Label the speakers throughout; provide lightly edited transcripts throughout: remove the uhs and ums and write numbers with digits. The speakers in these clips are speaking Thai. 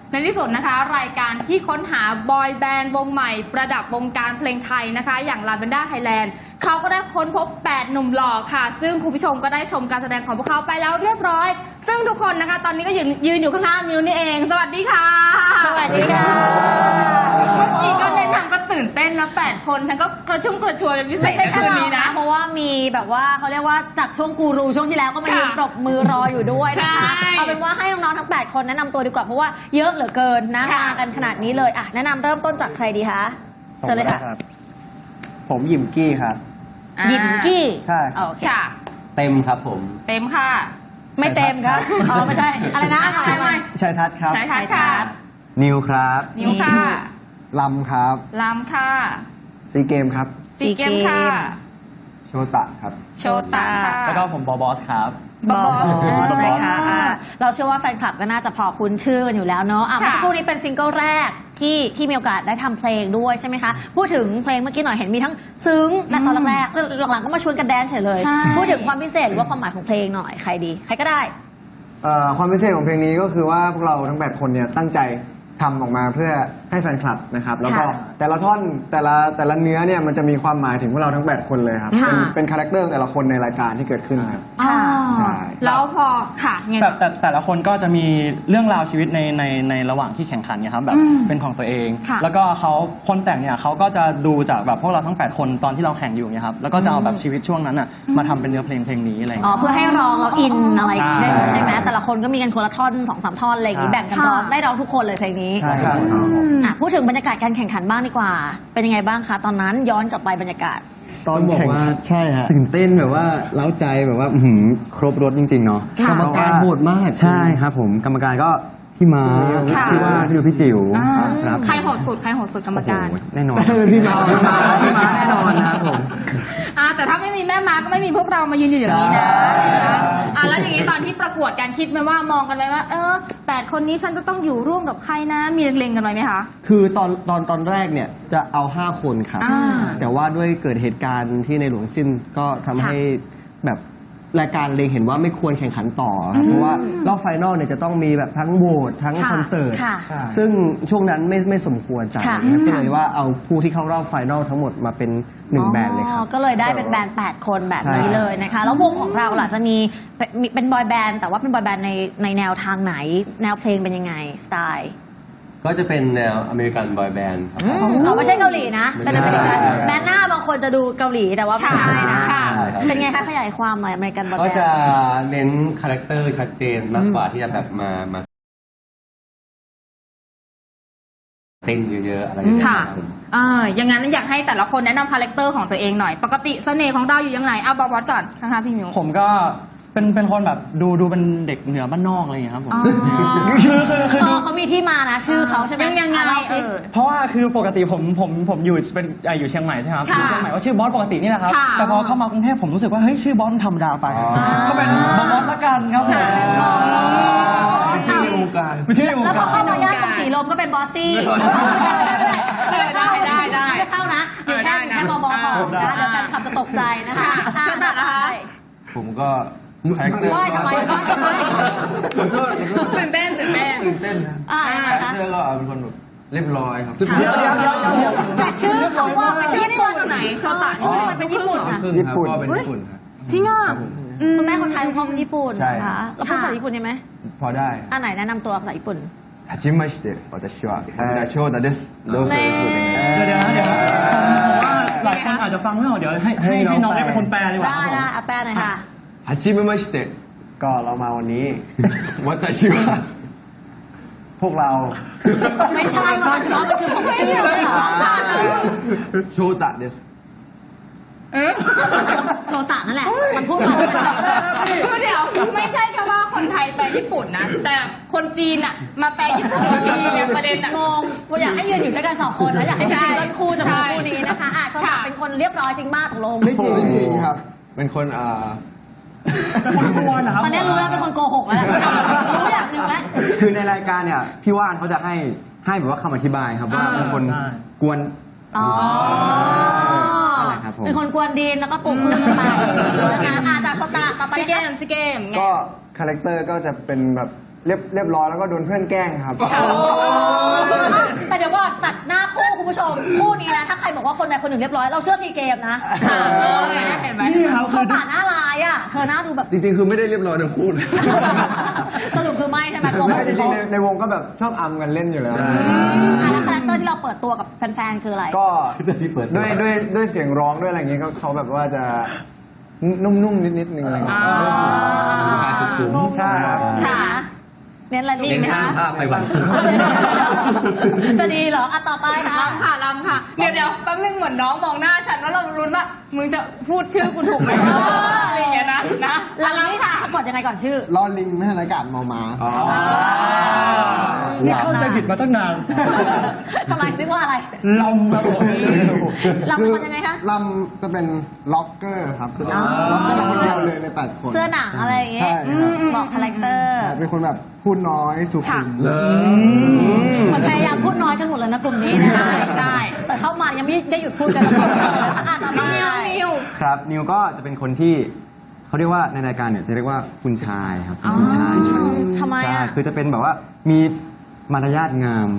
Speaker 1: ในที่สุดนะคะรายการที่ค้นหาบอยแบนด์วงใหม่ประดับวงการเพลงไทยนะคะอย่างลาเวนด้าไทยแลนด์เขาก็ได้ค้นพบ8หนุ่มหล่อค่ะซึ่งคุณผู้ชมก็ได้ชมการแสดงของพวกเขาไปแล้วเรียบร้อยซึ่งทุกคนนะคะตอนนี้ก็ยืนอยู่ข้างๆมิวนี่เองสวัสดีค่ะ
Speaker 2: สวัสดีค่ะ
Speaker 1: เมื่อกี้ก็เน้นทำก็ตื่นเต้นนะ8คนฉันก็กระชุ่มกระชวยเป็นพิเศษในคืนนี้นะ
Speaker 2: เพราะว่ามีแบบว่าเขาเรียกว่าจากช่วงกูรูช่วงที่แล้วก็มายืนปรบมือรออยู่ด้วยนะคะเอาเป็นว่าให้น้องๆทั้ง8คนแนะนำตัวดีกว่าเพราะว่าเยอะเหลือเกินนะมากันขนาดนี้เลยอ่ะแนะนำเริ่มต้นจากใครดีคะเชิญเลยค่ะ
Speaker 3: ผมหยิมกี้ครับ
Speaker 2: หยิมกี้
Speaker 3: ใช่
Speaker 2: โอเค
Speaker 3: เต็มครับผม
Speaker 1: เต็มค่ะ
Speaker 2: ไม่เต็มครับอ๋อไม่ใช่อะไรนะ
Speaker 1: ไม่
Speaker 3: ชัยทัศน์ครับ
Speaker 1: ชัยทัศน์ค่ะ
Speaker 3: นิวครับ
Speaker 1: นิวค่ะ
Speaker 3: ลำครับ
Speaker 1: ลำค่ะ
Speaker 3: ซีเกมครับ
Speaker 1: ซีเกมค่ะ
Speaker 3: โชตะครับ
Speaker 1: โชตะค่ะ
Speaker 3: แล้วก็ผมบอสครับ
Speaker 2: บอสนะคะเราเชื่อว่าแฟนคลับก็น่าจะพอคุ้นชื่อกันอยู่แล้วเนาะเมื่อสักครู่นี้เป็นซิงเกิลแรกที่มีโอกาสได้ทำเพลงด้วยใช่ไหมคะพูดถึงเพลงเมื่อกี้หน่อยเห็นมีทั้งซึ้งและตอนแรกหลังๆก็มาชวนกันแดนเฉยเลยพูดถึงความพิเศษหรือว่าความหมายของเพลงหน่อยใครดีใครก็ได้
Speaker 3: ความพิเศษของเพลงนี้ก็คือว่าพวกเราทั้ง8คนเนี่ยตั้งใจทำออกมาเพื่อให้แฟนคลับนะครับแล้วก็แต่ละท่อนแต่ละเนื้อเนี่ยมันจะมีความหมายถึงพวกเราทั้ง8คนเลยครับเป็นคาแรคเตอร์แต่ละคนในรายการที่เกิดขึ้นครับ
Speaker 1: ใช่แล้วพอค่ะ
Speaker 4: แต่ละคนก็จะมีเรื่องราวชีวิตในระหว่างที่แข่งขันเนี่ยครับแบบเป็นของตัวเองแล้วก็คนแต่งเนี่ยเขาก็จะดูจากแบบพวกเราทั้ง8คนตอนที่เราแข่งอยู่เนี่ยครับแล้วก็จะเอาแบบชีวิตช่วงนั้นอ่ะมาทำเป็นเนื้อเพลงนี้อะไร
Speaker 2: เพื่อให้ร้องเราอินอะไรใช่ไหมแต่ละคนก็มีกันคนละท่อน2-3ท่อนอะไรอย่างนี้แบ่งกันร้องได้ร้องทุกคนเลยเพลงนี้
Speaker 3: ใช่ครับ
Speaker 2: พูดถึงบรรยากาศการแข่งขันบ้างดีกว่าเป็นยังไงบ้างคะตอนนั้นย้อนกลับไปบรรยากาศ
Speaker 3: ตอนแข่งใช่ฮะตื่นเต้นแบบว่าเล้าใจแบบว่าครบรถจริงๆเนาะกรรมการโหดมากใช่ครับผมกรรมการก็พี่ม้าพี่ว่าพี่ดูพี่จิ๋ว
Speaker 1: ครับใครโหดสุดกรรมการ
Speaker 3: แน่นอนพี่ม้าแน่นอนนะครับผม
Speaker 1: แต่ถ้าไม่มีแม่ม้าก็ไม่มีพวกเรามายืนอยู่อย่างนี้นะแล้วอย่างนี้ตอนที่ประกวดการคิดไหมว่ามองกันไหมว่า8คนนี้ฉันจะต้องอยู่ร่วมกับใครนะมีเล็งๆกันไหมคะ
Speaker 3: คือตอนแรกเนี่ยจะเอา5คนครับแต่ว่าด้วยเกิดเหตุการณ์ที่ในหลวงสิ้นก็ทำให้แบบรายการเล็งเห็นว่าไม่ควรแข่งขันต่อครับเพราะว่ารอบไฟนอลเนี่ยจะต้องมีแบบทั้งโหวตทั้งคอนเสิร์ตซึ่งช่วงนั้นไม่สมควรจัดก็เลยว่าเอาผู้ที่เข้ารอบไฟนอลทั้งหมดมาเป็น1แบนด์เลยครับ
Speaker 2: ก็เลยได้เป็นแบนด์8คนแบบนี้เลยนะคะแล้ววงของเราล่ะจะมีเป็นบอยแบนด์แต่ว่าเป็นบอยแบนด์ในแนวทางไหนแนวเพลงเป็นยังไงสไตล์
Speaker 3: ก็จะเป็นแนวอเมริกันบอยแบนด์ครับ
Speaker 2: ไม่ใช่เกาหลีนะเป็นอเมริกันแบนด์หน้าบางคนจะดูเกาหลีแต่ว่าไม่ใช่นะเป็นไงคะขยายความหน่อยอเมริกันบอยแบนด์
Speaker 3: ก็จะเน้นคาแรคเตอร์ชัดเจนมากกว่าที่จะแบบมาเต้นเยอะๆอะไรอย่างเงี้ย
Speaker 1: ค่ะอย่างนั้นอยากให้แต่ละคนแนะนำคาแรคเตอร์ของตัวเองหน่อยปกติเสน่ห์ของเราอยู่ยังไงบอสก่อนนะคะพี่มิว
Speaker 4: ผมก็เป็นคนแบบดูเป็นเด็กเหนือบ้านนอกอะไรอย่างเงี้ยครับผมคือ
Speaker 2: เขามีที่มานะชื่อเขาใช่ไหม
Speaker 1: ยังไง
Speaker 4: เพราะว่าคือปกติผมอยู่เชียงใหม่ใช่ไหมครับอยู่เชียงใหม่ก็ชื่อบอสปกตินี่แหละครับแต่พอเข้ามากรุงเทพผมรู้สึกว่าเฮ้ยชื่อบอสธรรมดาไปก็เป็นบอสละกันครับผม
Speaker 3: ชื่อในวงการ
Speaker 2: แล้วพอเข้ามาย่านตรงสีลมก็เป็นบอสซี่ได้ไม่เข้านะอยู่แค่บอสของนะเดี๋ยวแฟนคลับจะตกใจนะคะ
Speaker 3: ผมก็คาแรคเตอร์
Speaker 1: ตื่นเต้น
Speaker 3: นะคาแรคเตอร์ก็เป็นคนแบบเรียบร้อยครับ
Speaker 2: แต่ชื่อเขาว่า
Speaker 1: ชื่อนี่มาจากไหนโชตะชื่อมันเป็นญี่ปุ่น
Speaker 3: ก็เป็นญี่ปุ่นครับ
Speaker 2: จริงอ่ะคุณแม่คนไทยคุณพ่อเป็นญี่ปุ่นนะคะแล้วพูดภาษาญี่ปุ่นได้ไหม
Speaker 3: พอได้
Speaker 2: ไหนแนะนำตัวภาษาญี่ปุ่น
Speaker 3: はじめまして私は翔太ですどうぞよろしくお願いします
Speaker 4: เดี๋ยวหลายคนอาจจะฟังไม่ออกเดี๋ยวให้น้องได้เป็นคนแปลดีกว่า
Speaker 2: ได้แปลหน่อยค่ะ
Speaker 3: はじめましてก็เรามาวันนี้วัตชิวะพวกเรา
Speaker 2: ไม่ใช่วัตชิวะมันคือผมชื่อเลยเหรอ
Speaker 3: โชตะเดส
Speaker 2: โชตะนั่นแหละมันพูดมา
Speaker 1: คือเดี๋ยวไม่ใช่แค่ว่าคนไทยแปลญี่ปุ่นนะแต่คนจีนอ่ะมาแปลญี่ปุ่นทีเนี่ยประเด็นอ่ะ
Speaker 2: งงอยากให้ยืนอยู่ด้วยกัน2คนนะอยากให้เป็นซิงเกิลคู่จะเป็นคู่นี้นะคะโชตะเป็นคนเรียบร้อยจริงบ้าตกลง
Speaker 3: ไม่จริงครับเป็นคน
Speaker 2: ตอนนี้รู้แล้วเป็นคนโกหกแล้วรู้อย่างหนึ่งแล้ว
Speaker 3: คือในรายการเนี่ยพี่ว่านเขาจะให้แบบว่าคำอธิบายครับว่าเป็นคนกวน
Speaker 2: เป็นคนกวนดินแล้วก็ปลุกเรื่องต่างๆจากโชตะต่อไป
Speaker 1: ซีเกม
Speaker 3: ก็คาแรคเตอร์ก็จะเป็นแบบ
Speaker 5: เรียบร้อยแล้วก็โดนเพื่อนแกล้งครับ
Speaker 2: แต่เดี๋ยวก่อนตัดหน้าคู่คุณผู้ชมคู่นี้นะถ้าใครบอกว่าคนใดคนหนึ่งเรียบร้อยเราเชื่อซีเกมนะ
Speaker 1: เห็นไหม
Speaker 2: เขาป่าหน้าลายอ่ะเธอหน้าดูแบบ
Speaker 3: จริงๆ คือไม่ได้เรียบร้อยทั้งคู่เลย
Speaker 2: สรุปคือไม่ใช่ไหม
Speaker 5: ไม่จริงๆในวงก็แบบชอบอำกันเล่นอยู่แล้ว
Speaker 2: แล้วคาแรคเตอร์ที่เราเปิดตัวกับแฟนๆคืออะไร
Speaker 5: ก็
Speaker 3: ที่เปิดตัว
Speaker 5: ด้วยเสียงร้องด้วยอะไรอย่างเงี้ยก็เขาแบบว่าจะนุ่มๆนิดนึงอะไรอย่างเงี้ย
Speaker 4: ใช่ครับ
Speaker 2: ค่ะเน้นอะไรลูกไหมคะ
Speaker 3: ภาพไปวัน
Speaker 2: จะดีเหรออ่ะต่อไปค่ะ
Speaker 1: ลำค่ะลำค่ะ เดี๋ยวแป๊บนึงเหมือนน้องมองหน้าฉันแล้วเราลุ้นว่ามึงจะพูดชื่อกูถูกไหมอะไรอย่างเงี้ยนะ
Speaker 2: แล้ว
Speaker 1: ลำค่ะ
Speaker 2: สะกดยังไงก่อนชื่อ
Speaker 3: ลอลิงไม่ใช่รายการมอม้า
Speaker 4: นี่เข้าใจผิดมาตั้งนาน
Speaker 2: ทำไมนึกว่าอะไร
Speaker 4: ลำครับผม
Speaker 2: เราเป็นคนยังไงคะ
Speaker 3: ลำจะเป็นล็อกเกอร์ครับล็อกเกอร์คนเดียวเลยใน8 คน
Speaker 2: เสื้อหนังอะไรอย่างเงี้ย
Speaker 3: ใช่ครับ
Speaker 2: บอกคาแรคเตอร์
Speaker 3: เป็นคนแบบพูดน้อยสุขุม
Speaker 2: มันพยายามพูดน้อยกันหมดเลยนะกลุ่มนี้นะ
Speaker 1: ใช่
Speaker 2: แต่เข้ามายังไม่ได้หยุดพูดกันสักคนอ่านต่อไป
Speaker 1: นิว
Speaker 6: ครับนิวก็จะเป็นคนที่เขาเรียกว่าในรายการเนี่ยจะเรียกว่าคุณชายครับคุณชายใช่
Speaker 2: ทำไม
Speaker 6: ใช่
Speaker 2: อ่ะ
Speaker 6: คือจะเป็นแบบว่ามีมารยาทงาม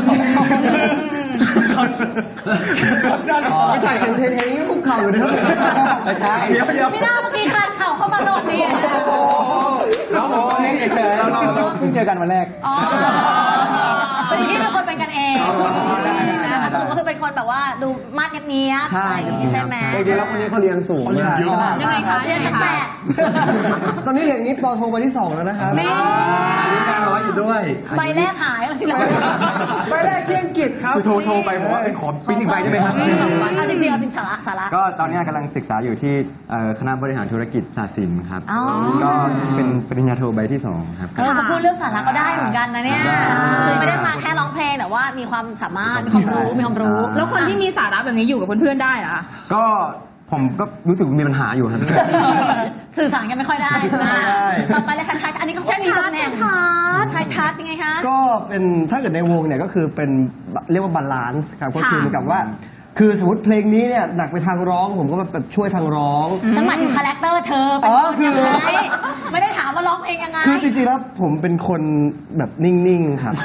Speaker 3: ไม่ใช่เห็นนี้ก็คุกเข่าอยู่นะครับไม่ใช่เดี๋ยว
Speaker 2: ไม่น่าเมื่อกี้คานเข่าเข้ามาสวัสดี
Speaker 3: น้องผมตอนนี้เฉยๆเราเพิ่งเจอกันวันแรก
Speaker 2: อ๋อเป็นที่เป็นคนเป็นกันเองนะแต่สรุปก็คือเป็นคนแบบว่าดูมาดเนี้ยบๆอะไรอย่างงี้ใช่ไหม
Speaker 5: จริงๆแล้วคนนี้เขาเรียนสูงมาก
Speaker 1: ยังไงคะ
Speaker 2: เรียนชั้นแปด
Speaker 3: ตอนนี้เรียนนี้ปโทมาที่ 2 แล้วนะครับ
Speaker 2: นี่
Speaker 3: มีการร้อยอยู่ด้วย
Speaker 2: ใบแรกหายแล้วสิเรา
Speaker 5: ไปได้ที่อังกฤษครับ
Speaker 6: คือโทรไปบอกว่าขอปริ้นอีกใบได้ไหมครับ
Speaker 2: เอาจริงๆเอาจริงสาระ
Speaker 6: ก็ตอนนี้กำลังศึกษาอยู่ที่คณะบริหารธุรกิจศาสตร์ศิลป์ครับ
Speaker 2: อ๋อ
Speaker 6: ก็เป็นปริญญาโทใบที่ 2 ครับ
Speaker 2: มาพูดเรื่องสาระก็ได้เหมือนกันนะเนี่ยคือไม่ได้มาแค่ร้องเพลงแต่ว่ามีความสามารถมีความรู้
Speaker 1: แล้วคนที่มีสาระแบบนี้อยู่กับเพื่อนๆได้เหรอคะ
Speaker 6: ก็ผมก็รู้สึกมีปัญหาอยู่ครับ
Speaker 2: สื่อสารกันไม่ค่อยได้นะ
Speaker 3: ไม่ได้
Speaker 2: ต่อไปเลยค่ะชายอันนี้เขาก็มีตำแหน่งชายทัศน์ยังไงคะ
Speaker 3: ก็เป็นถ้าเกิดในวงเนี่ยก็คือเป็นเรียกว่าบาลานซ์ครับก็คือเหมือนกับว่า คือสมมติเพลงนี้เนี่ยหนักไปทางร้อง ผมก็แบบช่วยทางร้อง
Speaker 2: ฉันหมายถึงคาแรคเตอร์เธอเป็นคนยังไงไม่ได้ถามว่าร้องเพลงยังไง
Speaker 3: คือจริงๆแล้วผมเป็นคนแบบนิ่งๆครับ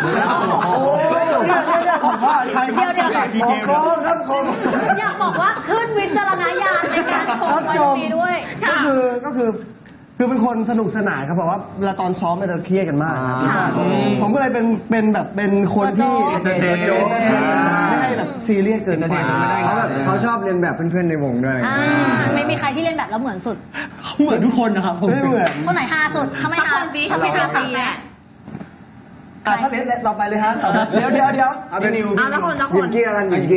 Speaker 2: เดี๋ยว
Speaker 3: โค้งครับโค้ง
Speaker 2: อยากบอกว่าขึ้นวิจารณญาณในการชมมีด้วย
Speaker 3: ก็คือเป็นคนสนุกสนานครับเพราะว่าเวลาตอนซ้อมเนี่ยเราเครียดกันมากครับผมก็เลยเป็นแบบเป็นคนที่ไม่ให้แบบซีเรียสเกินไป
Speaker 5: เขาชอบเรียนแบบเพื่อนๆในวงด้วย
Speaker 2: ไม่มีใครที่เล่นแบบแล้วเหมือนสุด
Speaker 4: เขาเหมือนทุกคนนะครับผม
Speaker 3: ไม่เหมือน
Speaker 2: คนไหนฮาสุดทำไมฮาทำไมฮาปีอ่ะ
Speaker 3: ถ้าเลสเราไปเลยฮะเดี๋ยว
Speaker 5: เอาเป็นนิว
Speaker 1: เอาละคนละค
Speaker 5: ยิ
Speaker 1: น
Speaker 5: มกี้แล้วกันยิมกี้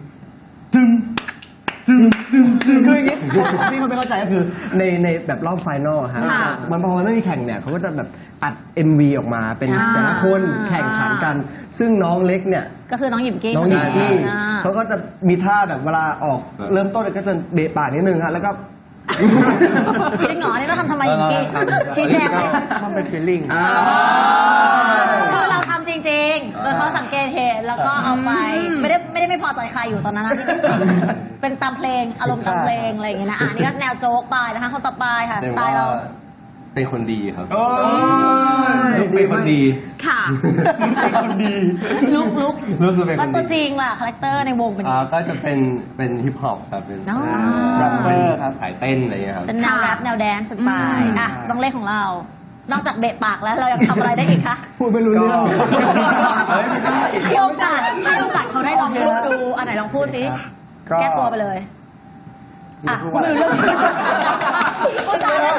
Speaker 3: คืออย่างนี้ที่เขาไม่เข้าใจก็คือในแบบรอบไฟนอลฮะมันพอมันไม่มีแข่งเนี่ยเขาก็จะแบบอัด MV ออกมาเป็นแต่ละคนแข่งขันกัน ซึ่งน้องเล็กเนี่ย
Speaker 2: ก็คือน้องหยิมกี้
Speaker 3: น้องหญิงที่เขาก็จะมีท่าแบบเวลาออกเริ่มต้นก็จะเบะปากนิดนึงฮะแล้วก็
Speaker 2: จริงเหรอนี่เราทำไมหยิมกี้ชี้แจงเลย
Speaker 5: มันเป็นฟีลลิ่ง
Speaker 2: คือเราทำจริงๆโดยเขาสังเกตเห็นแล้วก็เอาไปไม่ได้ไม่พอใจใครอยู่ตอนนั้นนะที่เป็นตามเพลงอารมณ์ตามเพลงอะไรอย่างเงี้ยนะอันนี้ก็แนวโจ๊กไปนะคะคนต่อไปค่ะสไตล์เรา
Speaker 3: เป็นคนดีครับ
Speaker 6: เป็นคนดี
Speaker 1: ค่ะ
Speaker 2: ลุก
Speaker 3: คือเป็น
Speaker 2: แล้ว
Speaker 3: คน
Speaker 2: ตัวจ
Speaker 3: ดี
Speaker 2: ริงล่ะคาแรคเตอร์ในวงเป็น
Speaker 3: ก็จะเป็นฮิปฮอปครับเป็น
Speaker 2: อ๋อ
Speaker 3: แรปเปอร์ครับสายเต้นอะไรอย่างเงี้ยครับ
Speaker 2: เป็นแนวแรปแนวแดนซ์กันไปอ่ะน้องเล็กของเรา นอกจากเบะปากแล้วเรายังทำอะไรได้อีกคะ
Speaker 3: พูดไม่รู้เรื่อง
Speaker 2: ไม่ใช่ให้โอกาสเขาได้ลองพูดดูอันไหนลองพูดสิแก้ตัวไปเลยอ่ะพูดไม่รู้เรื่องพูดจาเลย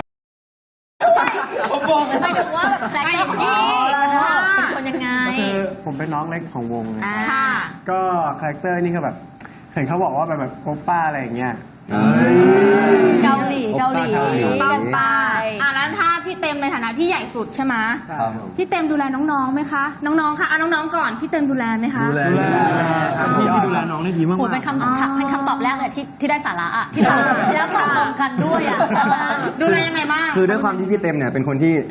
Speaker 2: หมายถึงว่าแบบคาแรคเตอร์ของพี่เป็นคนยังไง
Speaker 5: คือผมเป็นน้องเล็กของวง
Speaker 2: ค่ะ
Speaker 5: ก็คาแรคเตอร์นี่ก็แบบเห็นเขาบอกว่าแบบโอป้าอะไรอย่างเงี้ย
Speaker 2: เกาหลีกันไป
Speaker 1: แล้วถ้าพี่เต็มในฐานะพี่ใหญ่สุดใช่ไหม
Speaker 3: ครับผม
Speaker 1: พี่เต็มดูแลน้องๆไหมคะ น้องๆค่ะน้องๆก่อนพี่เต็มดูแลไหมคะ
Speaker 3: ดูแล
Speaker 4: พี่ดูแลน้องได้ดีมาก
Speaker 2: โหเป็นคำตอบแรกเลยที่ได้สาระอ่ะที่แล้วตอบตรงกันด้วยอ่ะ
Speaker 1: ดูแลยังไงบ้าง
Speaker 6: คือด้วยความที่พี่เต็มเนี่ยเป็นคนที่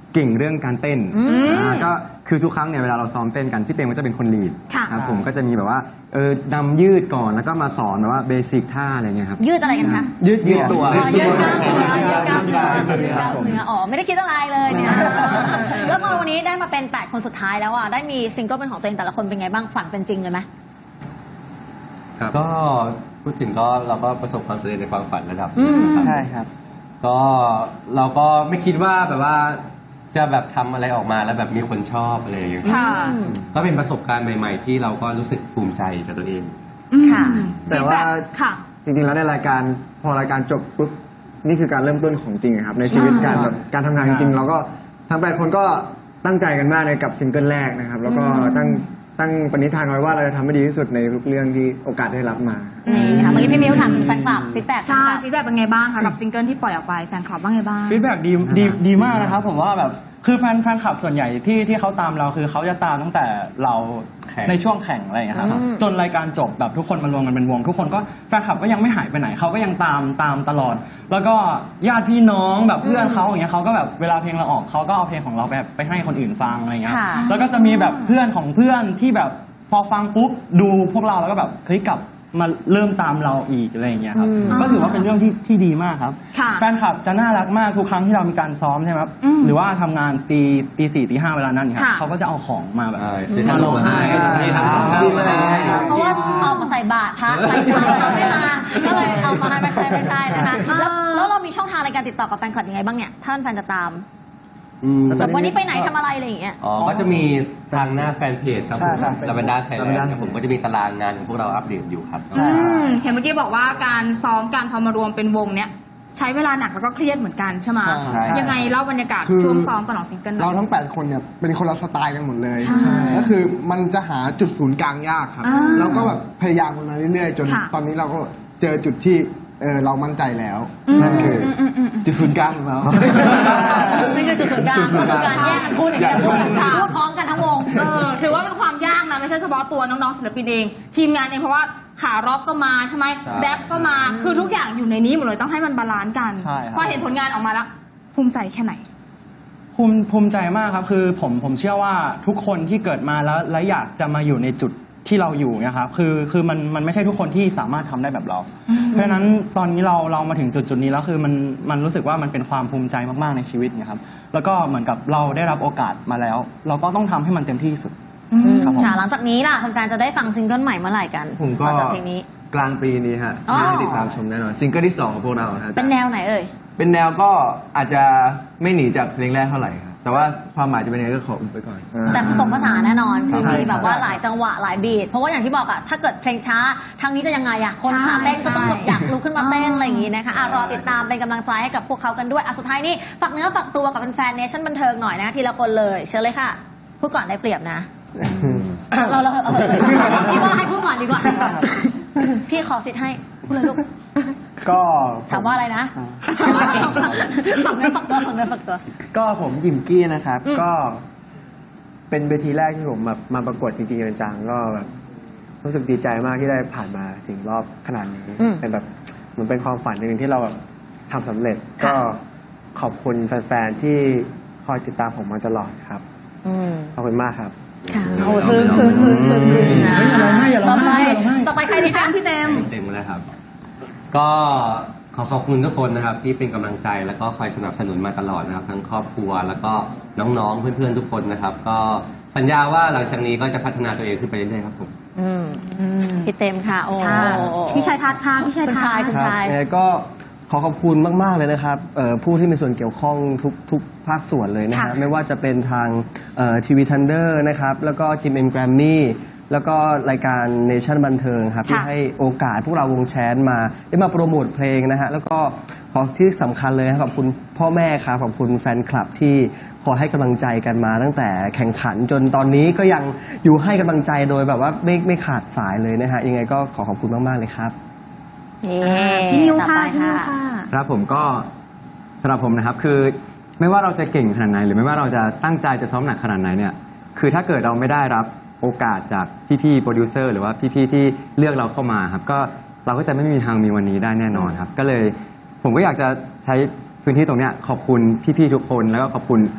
Speaker 6: เก่งเรื่องการเต้นก็คือทุกครั้งเนี่ยเวลาเราซ้อมเต้นกันพี่เต็มก็จะเป็นคนลีด
Speaker 1: ค่ะ
Speaker 6: ครับผมก็จะมีแบบว่านำยืดก่อนแล้วก็มาสอนแบบว่าเบสิกท่าอะไรเงี้ยครับ
Speaker 2: ยืดอะไรกันคะ
Speaker 3: ยืดตัว
Speaker 2: อ๋อยืดกล้ามเนื้อยืดกล้ามเนื้อยืดกล้ามเนื้ออ๋อไม่ได้คิดอะไรเลยเนี่ยแล้วพอวันนี้ได้มาเป็น8คนสุดท้ายแล้วอ่ะได้มีซิงเกิลเป็นของตัวเองแต่ละคนเป็นไงบ้างฝันเป็นจริงเลยไหม
Speaker 7: ก็พูดถึงก็เราก็ประสบความสำเร็จในความฝันระดับหนึ่งนะครับ
Speaker 3: ใช่ครับ
Speaker 7: ก็เราก็ไม่คิดว่าแบบว่าจะแบบทำอะไรออกมาแล้วแบบมีคนชอบอะไรอย่างเงี้ย
Speaker 1: ค่ะ
Speaker 7: ก็เป็นประสบการณ์ใหม่ ๆ ที่เราก็รู้สึกภูมิใจกับตัวเอง
Speaker 2: ค่ะ
Speaker 5: แต่ว่า
Speaker 1: ค่ะ
Speaker 5: จริงๆแล้วในรายการพอรายการจบปุ๊บนี่คือการเริ่มต้นของจริงอะครับในชีวิตการแบบการทำงานจริงๆเราก็ทั้ง8คนก็ตั้งใจกันมากในกับซิงเกิลแรกนะครับแล้วก็ตั้งปณิธานไว้ว่าเราจะทำให้ดีที่สุดในทุกเรื่องที่โอกาสได้รับมา
Speaker 2: นี่ค่ะเมื่อกี้พี่มิวถามถึงแฟนคลับฟีดแบ็ก
Speaker 1: ใช่ฟีดแบ็กเป็นไงบ้างคะกับซิงเกิลที่ปล่อยออกไปแฟนคลับว่าไงบ้าง
Speaker 4: ฟีดแบ็กดีมากนะครับผมว่าแบบคือแฟนคลับส่วนใหญ่ที่เขาตามเราคือเขาจะตามตั้งแต่เรา
Speaker 7: แข่ง
Speaker 4: ในช่วงแข่งอะไรอย่างเงี้ยครับจนรายการจบแบบทุกคนมารวมกันเป็นวง ทุกคนก็แฟนคลับก็ยังไม่หายไปไหนเขาก็ยังตามตลอด แล้วก็ญาติพี่น้องแบบเพื่อนเขาอย่างเงี้ยเขาก็แบบเวลาเพลงเราออกเขาก็เอาเพลงของเราไปให้คนอื่นฟังอะไรเงี้ย
Speaker 2: ค่ะ
Speaker 4: แล้วก็จะมีแบบเพื่อนของเพื่อนที่แบบพอฟังปุ๊บดูพวกเราแล้วก็แบบเฮ้ยกลับมาเริ่มตามเราอีกอะไรอย่างเงี้ยครับก็ถือว่าเป็นเรื่องที่ดีมากครับ
Speaker 1: ค่ะ
Speaker 4: แฟนคลับจะน่ารักมากทุกครั้งที่เรามีการซ้อมใช่ไหมครับหรือว่าทำงานตี 4 ตี 5เวลานั้นครับ
Speaker 1: ค่ะ
Speaker 4: เขาก็จะเอาของมาแบบ
Speaker 7: ซื้อข
Speaker 4: มาน ล
Speaker 7: ม
Speaker 4: ง
Speaker 7: มา
Speaker 4: ให้
Speaker 7: ให้
Speaker 3: จริงเลย
Speaker 2: เพราะว่าเอามาใส่บาตรพระใส่บาตรไม่มาก็เลยเอามาให้ไม่ใช่นะคะแล้วเรามีช่องทางในการติดต่อกับแฟนคลับยังไงบ้างเนี่ยถ้าแฟนจะตามแบบวันนี้ไปไหนทำอะไรอะไรอย่างเงี้ย
Speaker 7: อ๋อ ก็จะมีทางหน้าแฟนเพจครับผม
Speaker 3: ใช่
Speaker 7: ลาเวนด้าไทยแลนด์ครับผมก็จะมีตารางงานของพวกเราอัปเดตอยู่ครับ
Speaker 1: เห็นเมื่อกี้บอกว่าการซ้อมการพอมารวมเป็นวงเนี้ยใช้เวลาหนักแล้วก็เครียดเหมือนกันใช่ไหม
Speaker 3: ใช่
Speaker 1: ยังไงเล่าบรรยากาศ
Speaker 8: คือ
Speaker 1: ช่วงซ้อมก่อนออกซิงเกิลหน่
Speaker 8: เรา
Speaker 1: อย
Speaker 8: ทั้ง 8 คนเนี่ยเป็นคนละสไตล์กันหมดเลย
Speaker 1: ใช่
Speaker 8: ก็คือมันจะหาจุดศูนย์กลางยากครับ
Speaker 1: อ่า
Speaker 8: แล้วก็แบบพยายามกันมาเรื่อยๆ จน
Speaker 1: ค่ะ
Speaker 8: ตอนนี้เราก็เจอจุดที่เรามั่นใจแล้วนั่นคือ
Speaker 3: จุดศูนย์กลางของเรา
Speaker 2: ไม่คือจุดศูนย์กลางก็คือการแยกกันพูดอย่างเดียวพูดพร้อมกันทั้งวง
Speaker 1: ถือว่าเป็นความยากนะไม่ใช่เฉพาะตัวน้องๆศิลปินเอง ทีมงานเองเพราะว่าขาร็อกก็มาใช่ไหม
Speaker 7: ใช่
Speaker 1: แบ็คก็มาคือทุกอย่างอยู่ในนี้หมดเลยต้องให้มันบาลานซ์กัน
Speaker 4: ใช่ครับ
Speaker 1: พอเห็นผลงานออกมาแล้วภูมิใจแค่ไหน
Speaker 4: ภูมิใจมากครับคือผมเชื่อว่าทุกคนที่เกิดมาแล้วอยากจะมาอยู่ในจุดที่เราอยู่นะครับคือมันไม่ใช่ทุกคนที่สามารถทำได้แบบเรา เพราะฉะนั้นตอนนี้เรามาถึงจุดนี้แล้วคือมันรู้สึกว่ามันเป็นความภูมิใจมากๆในชีวิตนะครับแล้วก็เหมือนกับเราได้รับโอกาสมาแล้ว เราก็ต้องทำให้มันเต็มที่ที่สุดครับผม
Speaker 2: ค่ะหลังจากนี้ล่ะแฟนๆจะได้ฟังซิงเกิลใหม่เมื่อไหร่กัน
Speaker 6: ผมก็
Speaker 2: ต่อจากเพลงนี้
Speaker 6: กลางปีนี้ฮะ
Speaker 2: อ๋อ
Speaker 6: ที่ได้ติดตามชมแน่นอนซิงเกิลที่ 2 ของพวกเรานะฮะ
Speaker 2: เป็นแนวไหนเอ่ย
Speaker 6: เป็นแนวก็อาจจะไม่หนีจากเพลงแรกเท่าไหร่ครับแต่ว่าความหมายจะเป็นยังไงก็ขออุบไปก่อน
Speaker 2: แต่ผสมผสานแน่นอนคือ
Speaker 6: ใช่
Speaker 2: มีแบบ
Speaker 6: ครับ
Speaker 2: ว่าหลายจังหวะหลายบีทเพราะว่าอย่างที่บอกอะถ้าเกิดเพลงช้าทางนี้จะยังไงอะคนขาเต้นก็ต้องแบบอยากลุกขึ้นมาเต้นอะไรอย่างงี้นะคะรอติดตามเป็นกำลังใจให้กับพวกเขากันด้วยสุดท้ายนี่ฝากเนื้อฝากตัวกับแฟนๆเนชั่นบันเทิงหน่อยนะทีละคนเลยเชิญเลยค่ะพูดก่อนได้เปรียบนะเราพี่ว่าให้พูดก่อนดีกว่าพี่ขอสิทธิ์ให้พูดเลยลูก
Speaker 3: ก็
Speaker 2: ถามว่าอะไรนะฝากเนื้อฝากตัวฝากเนื้อฝากตัว
Speaker 3: ก็ผมยิมกี้นะครับ ก็เป็นเวทีแรกที่ผมแบบมาประกวดจริงๆจังๆก็แบบรู้สึกดีใจมากที่ได้ผ่านมาถึงรอบขนาดนี้ เป็นแบบเหมือนเป็นความฝันหนึ่งที่เราแบบทำสำเร็จ ก็ขอบคุณแฟนๆที่คอยติดตามผมมาตลอดครับขอบคุณมากครับ
Speaker 2: ค่ะโอ้ซึ้งนะต่อไปใครดีคะพี่เต็ม
Speaker 7: เต็มเลยครับ ก็ขอขอบคุณทุกคนนะครับที่เป็นกำลังใจแล้วก็คอยสนับสนุนมาตลอดนะครับทั้งครอบครัวแล้วก็น้องๆเพื่อนๆทุกคนนะครับ ก็สัญญาว่าหลังจากนี้ก็จะพัฒนาตัวเองขึ้นไปเรื่อยๆครับผม
Speaker 2: พี่เต็มค่ะโอ้
Speaker 1: พี่ชายทัศน์ค่ะพี่ชาย
Speaker 2: คุณ
Speaker 1: ทัศ
Speaker 2: ชาย
Speaker 1: น์
Speaker 2: คุณชาย
Speaker 3: ยังไงก็ขอขอบคุณมาก ๆ เลยนะครับผู้ที่มีส่วนเกี่ยวข้องทุกภาคส่วนเลยนะฮะไม่ว่าจะเป็นทางทีวีทันเดอร์นะครับแล้วก็จิมเอ็มแกรมมี่แล้วก็รายการเนชั่นบันเทิงครับที่ให้โอกาสพวกเราวงแชนมาได้มาโปรโมทเพลงนะฮะแล้วก็ขอที่สำคัญเลยครับขอบคุณพ่อแม่ครับขอบคุณแฟนคลับที่คอยให้กำลังใจกันมาตั้งแต่แข่งขันจนตอนนี้ก็ยังอยู่ให้กำลังใจโดยแบบว่าไม่ขาดสายเลยนะฮะยังไงก็ขอขอบคุณมาก ๆ เลยครับ
Speaker 1: พี่นิวค่ะ
Speaker 2: ต่อไป
Speaker 1: พี่นิวค่ะ
Speaker 6: ครับผมก็สำหรับผมนะครับคือไม่ว่าเราจะเก่งขนาดไหนหรือไม่ว่าเราจะตั้งใจจะซ้อมหนักขนาดไหนเนี่ยคือถ้าเกิดเราไม่ได้รับโอกาสจากพี่ๆโปรดิวเซอร์หรือว่าพี่ๆที่เลือกเราเข้ามาครับก็เราก็จะไม่มีทางมีวันนี้ได้แน่นอนครับก็เลยผมก็อยากจะใช้พื้นที่ตรงเนี้ยขอบคุณพี่ๆทุกคนแล้วก็ขอบคุณ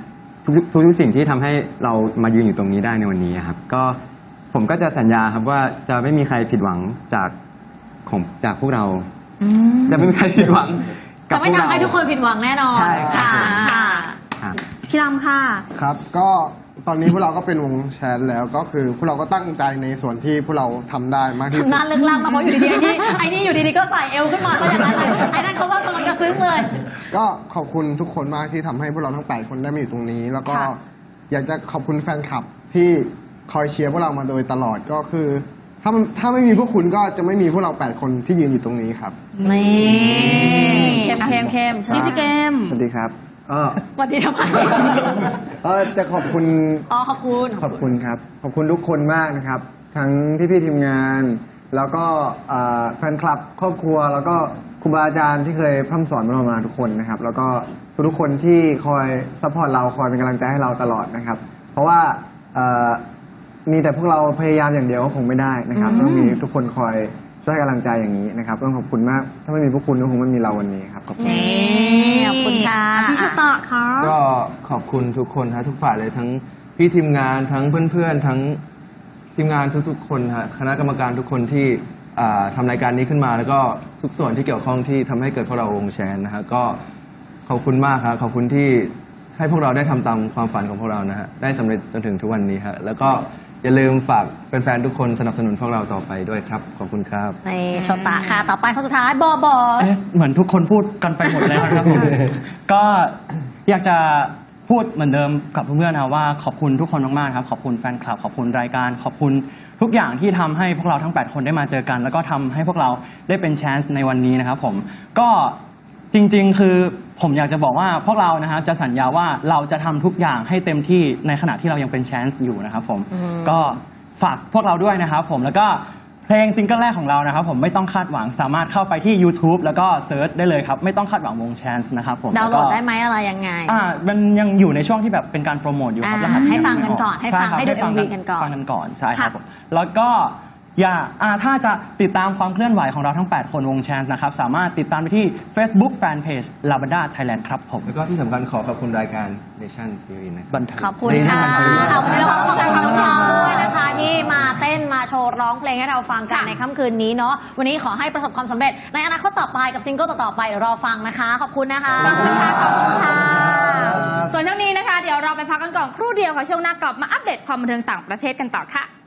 Speaker 6: ทุกสิ่งที่ทำให้เรามายืนอยู่ตรงนี้ได้ในวันนี้ครับก็ผมก็จะสัญญาครับว่าจะไม่มีใครผิดหวังจากพวกเราจะไม่มีใครผิดหวังกับ
Speaker 2: จะไม่
Speaker 6: พวก
Speaker 2: ทำ
Speaker 6: เรา
Speaker 2: ให้ทุกคนผิดหวังแน่นอน
Speaker 6: ใช่ครับ
Speaker 2: ค่ะ
Speaker 6: ครับ
Speaker 1: พี่ลำค่ะ
Speaker 8: ครับ ก็ตอนนี้พวกเราก็เป็นวงแชนแล้วก็คือพวกเราก็ตั้งใจในส่วนที่พวกเราทำได้มากที่สุด
Speaker 2: ทำหน้าเลิกล่างมาเพราะอยู่ดีๆไอ้นี่อยู่ดีๆก็ใส่เอวขึ้นมาซะอย่างนั้นเลยไอ้นั่นเขาว่ากำลังจะซึ้งเลย
Speaker 8: ก็ขอบคุณทุกคนมากที่ทำให้พวกเราทั้ง 8 คนได้มาอยู่ตรงนี้ แล้วก็
Speaker 2: ค่ะ
Speaker 8: อยากจะขอบคุณแฟนคลับที่คอยเชียร์พวกเรามาโดยตลอดก็คือ ถ้าไม่มีพวกคุณก็จะไม่มีพวกเรา 8 คนที่ยืนอยู่ตรงนี้ครับ
Speaker 2: นี่เข้ม
Speaker 1: พี่ซีเกม
Speaker 5: สวัสดีครับ
Speaker 2: สวัสดีทำไม
Speaker 5: จะขอบคุณ
Speaker 2: อ๋อขอบคุณ
Speaker 5: ขอบคุณครับ ขอบคุณทุกคนมากนะครับ ทั้งพี่ๆทีมงาน แล้วก็แฟนคลับครอบครัว แล้วก็ครูบาอาจารย์ที่เคยพร่ำสอนเรามาทุกคนนะครับ แล้วก็ทุกคนที่คอยซัพพอร์ตเราคอยเป็นกำลังใจให้เราตลอดนะครับ เพราะว่ามีแต่พวกเราพยายามอย่างเดียวก็คงไม่ได้นะครับต้องมีทุกคนคอยช่วยให้กำลังใจอย่างนี้นะครับต้องขอบคุณมาก ถ้าไม่มีพวกคุณก็คงไม่มีเราวันนี้ครับขอบคุณ
Speaker 2: นี่ขอบคุณค่ะ
Speaker 1: พี่ชตะค่ะ
Speaker 9: ก็ขอบคุณทุกคนฮะทุกฝ่ายเลยทั้งพี่ทีมงานทั้งเพื่อนๆทั้งทีมงานทุกๆคนฮะคณะกรรมการทุกคนที่ทำรายการนี้ขึ้นมา แล้วก็ทุกส่วนที่เกี่ยวข้องที่ทำให้เกิดพวกเราวงแชนนะฮะก็ขอบคุณมากครับขอบคุณที่ให้พวกเราได้ทำตามความฝันของพวกเรานะฮะได้สำเร็จจนถึงทุกวันนี้ฮะแล้วก็อย่าลืมฝากแฟนๆทุกคนสนับสนุนพวกเราต่อไปด้วยครับขอบคุณครับ
Speaker 2: ในโชตะค่ะ ต่อไปคนสุดท้ายบอบอส
Speaker 4: เอ๊ะเหมือนทุกคนพูดกันไปหมดแล้วครับผม ก็อยากจะพูดเหมือนเดิมกับเพื่อนๆนะว่าขอบคุณทุกคนมากๆครับขอบคุณแฟนคลับขอบคุณรายการขอบคุณทุกอย่างที่ทำให้พวกเราทั้ง 8 คนได้มาเจอกัน แล้วก็ทำให้พวกเราได้เป็นแชนส์ในวันนี้นะครับผมก็จริงๆคือผมอยากจะบอกว่าพวกเรานะครับจะสัญญาว่าเราจะทำทุกอย่างให้เต็มที่ในขณะที่เรายังเป็นแชนส์อยู่นะครับผมก็ฝากพวกเราด้วยนะครับผมแล้วก็เพลงซิงเกิลแรกของเรานะครับผมไม่ต้องคาดหวังสามารถเข้าไปที่ YouTube แล้วก็เซิร์ชได้เลยครับไม่ต้องคาดหวังวงแชนส์นะครับผม
Speaker 2: ดาวน์โหลดได้ไหมอะไรยังไง
Speaker 4: มันยังอยู่ในช่วงที่แบบเป็นการโปรโมทอยู่ครับ
Speaker 2: อ่าร
Speaker 4: หัส
Speaker 2: ให้ฟังกันก่อน
Speaker 4: ยั
Speaker 2: ให้
Speaker 4: ไม่
Speaker 2: ฟัง
Speaker 4: ช่ครับ
Speaker 2: ให้ดู
Speaker 4: ฟั
Speaker 2: MV กันก่อน
Speaker 4: ฟังกันก่อนใช่ครับ
Speaker 1: ค่ะ
Speaker 4: ผมแล้วก็ถ้าจะติดตามความเคลื่อนไหวของเราทั้ง 8 คนวงแชนส์นะครับสามารถติดตามไปที่ Facebook Fanpage Lavanda Thailand ครับผม
Speaker 9: แล้วก็ที่สำคัญขอขอบคุณรายการ Nation TV นะครับ
Speaker 4: บันเทิง
Speaker 2: ขอบคุณค่ะขอบคุณแล้วก็ขอบคุณน้องๆด้วยนะคะที่มาเต้นมาโชว์ร้องเพลงให้เราฟังกันในค่ำคืนนี้เนาะวันนี้ขอให้ประสบความสำเร็จในอนาคตต่อไปกับซิงเกิลต่อๆไปเดี๋ยวรอฟังนะคะ ขอบคุณนะคะ
Speaker 1: ขอบคุณค่ะขอบคุณค่ะ ส่วนช่วงนี้นะคะ เดี๋ยวเราไปพักกันก่อนครู่เดียวค่ะช่วงหน้ากลับมาอัปเดตความบันเทิงต่างประเทศกันต่อค่ะ